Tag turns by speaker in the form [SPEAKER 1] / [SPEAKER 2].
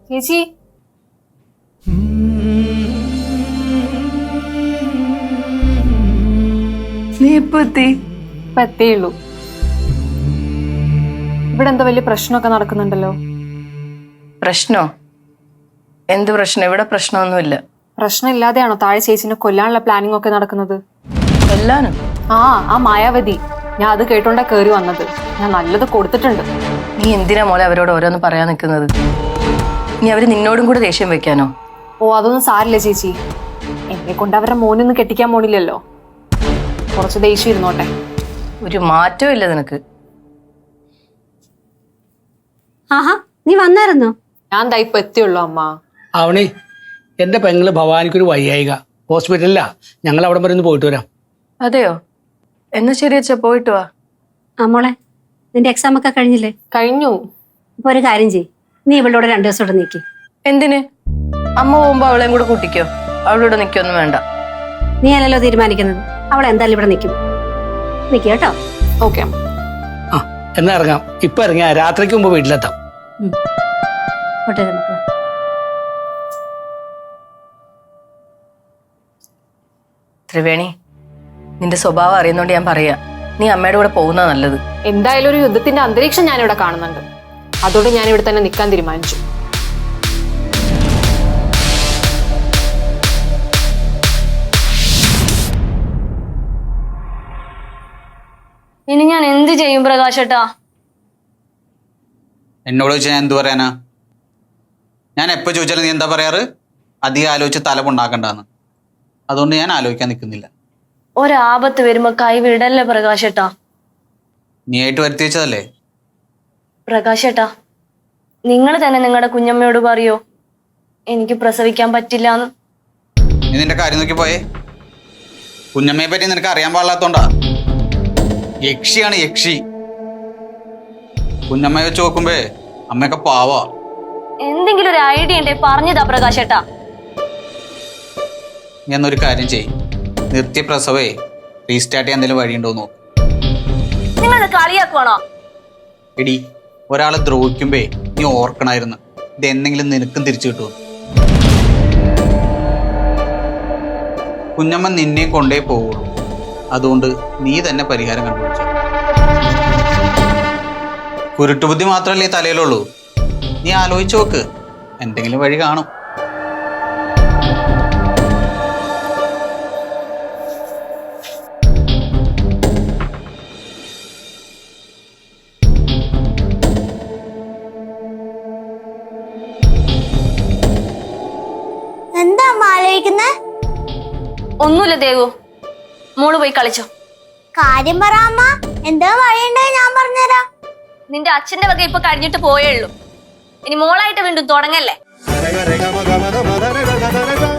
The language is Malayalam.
[SPEAKER 1] ചേച്ചി
[SPEAKER 2] നീ ഇപ്പൊ
[SPEAKER 1] എത്തിയുള്ളൂ. ഇവിടെ എന്താ വലിയ പ്രശ്നമൊക്കെ നടക്കുന്നുണ്ടല്ലോ.
[SPEAKER 2] പ്രശ്നോ? എന്ത് പ്രശ്നം? ഇവിടെ പ്രശ്നമൊന്നുമില്ല.
[SPEAKER 1] പ്രശ്നമില്ലാതെയാണോ താഴെ ചേച്ചിനെ കൊല്ലാനുള്ള പ്ലാനിങ് ഒക്കെ നടക്കുന്നത്?
[SPEAKER 2] കൊല്ലാനും?
[SPEAKER 1] ആ മായാവതി, ഞാൻ അത് കേട്ടോണ്ടാ കേറി വന്നത്. ഞാൻ നല്ലത് കൊടുത്തിട്ടുണ്ട്.
[SPEAKER 2] നീ എന്തിനാ മോളെ അവരോട് ഓരോന്ന് പറയാൻ നിൽക്കുന്നത്? നീ അവര് നിന്നോടും കൂടെ ദേഷ്യം വെക്കാനോ?
[SPEAKER 1] ഓ അതൊന്നും സാരില്ല ചേച്ചി, എന്നെ കൊണ്ട് അവരുടെ മോനൊന്നും കെട്ടിക്കാൻ പോണില്ലല്ലോ. കുറച്ച് ദേഷ്യം ഇരുന്നോട്ടെ.
[SPEAKER 2] ഒരു മാറ്റവും ഇല്ല നിനക്ക്.
[SPEAKER 3] ആഹാ, നീ വന്നായിരുന്നോ?
[SPEAKER 1] ഞാൻ ദാ ഇപ്പൊ എത്തിയുള്ളൂ അമ്മ.
[SPEAKER 4] അവണി, എൻ്റെ പെങ്ങള് ഭവാനിക്കൊരു വയ്യായിക, ഹോസ്പിറ്റലിലാ. ഞങ്ങൾ അവിടെ വരെ ഒന്ന് പോയിട്ട് വരാം.
[SPEAKER 2] അതെയോ? എന്നാ ശരി അച്ഛാ, പോയിട്ട് വാ.
[SPEAKER 3] മോളെ, നിന്റെ എക്സാം ഒക്കെ കഴിഞ്ഞില്ലേ?
[SPEAKER 1] കഴിഞ്ഞു.
[SPEAKER 3] ഇപ്പൊ ഒരു കാര്യം ചെയ്യ്, നീ ഇവളോട് 2 ദിവസം ഇവിടെ നിൽക്കി.
[SPEAKER 2] എന്തിന്? അമ്മ പോകുമ്പോ അവളെയും കൂടെ കൂട്ടിക്കോ. അവളിവിടെ നിൽക്കൊന്നും വേണ്ട.
[SPEAKER 3] നീ അല്ലല്ലോ തീരുമാനിക്കുന്നത്. അവൾ എന്തായാലും ഇവിടെ നിൽക്കും. നിൽക്കുക കേട്ടോ.
[SPEAKER 1] ഓക്കെ അമ്മ.
[SPEAKER 4] ആ, എന്നാ ഇറങ്ങാം. ഇപ്പൊ ഇറങ്ങിയാ രാത്രിക്ക് മുമ്പ് വീട്ടിലെത്താം.
[SPEAKER 3] പോട്ടെ മക്കളെ.
[SPEAKER 2] ത്രിവേണി, നിന്റെ സ്വഭാവം അറിയുന്നോണ്ട് ഞാൻ പറയാ, നീ അമ്മയുടെ കൂടെ പോകുന്ന നല്ലത്.
[SPEAKER 1] എന്തായാലും ഒരു യുദ്ധത്തിന്റെ അന്തരീക്ഷം ഞാനിവിടെ കാണുന്നുണ്ട്. അതുകൊണ്ട് ഞാൻ ഇവിടെ തന്നെ നിൽക്കാൻ തീരുമാനിച്ചു.
[SPEAKER 5] ഇനി ഞാൻ എന്ത് ചെയ്യും പ്രകാശേട്ടാ?
[SPEAKER 6] എന്നോട് ചോദിച്ചാൽ ഞാൻ എന്ത് പറയാനാ? ഞാൻ എപ്പോൾ ചോദിച്ചാലും നീ എന്താ പറയാറ്? അധികം ആലോചിച്ച് തലമുണ്ടാക്കണ്ടെന്ന്. അതുകൊണ്ട് ഞാൻ ആലോചിക്കാൻ നിൽക്കുന്നില്ല.
[SPEAKER 5] ഒരാപത്ത് വരുമ്പോ കൈവിടല്ലേ പ്രകാശേട്ടാ?
[SPEAKER 6] നീ ആയിട്ട് വരുത്തി വെച്ചതല്ലേ?
[SPEAKER 5] പ്രകാശേട്ടാ, നിങ്ങൾ തന്നെ നിങ്ങളുടെ കുഞ്ഞമ്മയോട് പറയോ എനിക്ക് പ്രസവിക്കാൻ പറ്റില്ലാന്ന്?
[SPEAKER 6] നീ നിന്റെ കാര്യം നോക്കി പോയേ. കുഞ്ഞമ്മയെ പറ്റി നിനക്ക് അറിയാൻ പാടില്ലാത്തോണ്ടാ. യക്ഷിയാണ് യക്ഷി. കുഞ്ഞമ്മയെ വെച്ച് നോക്കുമ്പേ അമ്മയൊക്കെ പാവാ.
[SPEAKER 5] എന്തെങ്കിലും ഒരു ഐഡിയ ഉണ്ടേ പറഞ്ഞതാ പ്രകാശേട്ടാ.
[SPEAKER 6] നീ എന്നൊരു കാര്യം ചെയ്യും, നിർത്തിയ പ്രസവേ റീസ്റ്റാർട്ട് ചെയ്യാൻ എന്തെങ്കിലും വഴിയുണ്ടോ നോക്ക്.
[SPEAKER 5] നിങ്ങൾ കളിയാക്കുവാണോ?
[SPEAKER 6] എടി, ഒരാളെ ദ്രോഹിക്കുമ്പേ നീ ഓർക്കണായിരുന്നു ഇതെന്തെങ്കിലും നിനക്കും തിരിച്ചു കിട്ടും. കുഞ്ഞമ്മ നിന്നെ കൊണ്ടേ പോവുള്ളൂ. അതുകൊണ്ട് നീ തന്നെ പരിഹാരം കണ്ടുപിടിച്ചു. കുരുട്ടുബുദ്ധി മാത്രമല്ലേ ഈ തലയിലുള്ളൂ. നീ ആലോചിച്ച് നോക്ക്, എന്തെങ്കിലും വഴി കാണും.
[SPEAKER 7] എന്താ ആലോചിക്കുന്നേ?
[SPEAKER 5] ഒന്നുമില്ല ദേവു, മോള് പോയി കളിച്ചോ.
[SPEAKER 7] കാര്യം പറ അമ്മ, എന്താ വഴിയുണ്ടോ ഞാൻ പറഞ്ഞുതരാം.
[SPEAKER 5] നിന്റെ അച്ഛന്റെ വക ഇപ്പൊ കഴിഞ്ഞിട്ട് പോയേ ഉള്ളൂ. ഇനി മോളായിട്ട് വീണ്ടും തുടങ്ങല്ലേ?